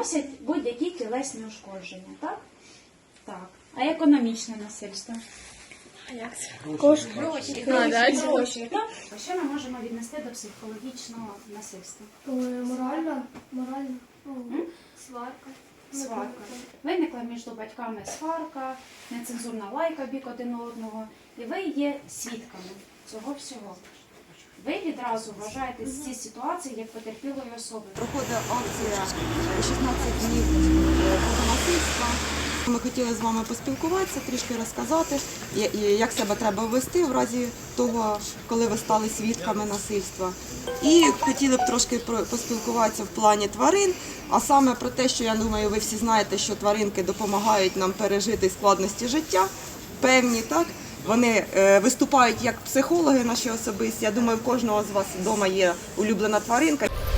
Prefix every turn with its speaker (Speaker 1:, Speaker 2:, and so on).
Speaker 1: наносять будь-які тілесні ушкодження, так? Так. А економічне насильство?
Speaker 2: Гроші.
Speaker 1: Гроші, так? А що ми можемо віднести до психологічного насильства?
Speaker 2: Морально. Сварка.
Speaker 1: Сварка. Виникла між батьками сварка, нецензурна лайка бік один одного, і ви є свідками цього всього. Ви відразу вважаєте ці ситуації як потерпілої особи.
Speaker 3: Проходить акція 16 днів проти насильства. Ми хотіли з вами поспілкуватися, трішки розказати, як себе треба вести в разі того, коли ви стали свідками насильства. І хотіли б трошки поспілкуватися в плані тварин, а саме про те, що, я думаю, ви всі знаєте, що тваринки допомагають нам пережити складності життя, певні, так? Вони виступають як психологи наші особисті. Я думаю, в кожного з вас вдома є улюблена тваринка.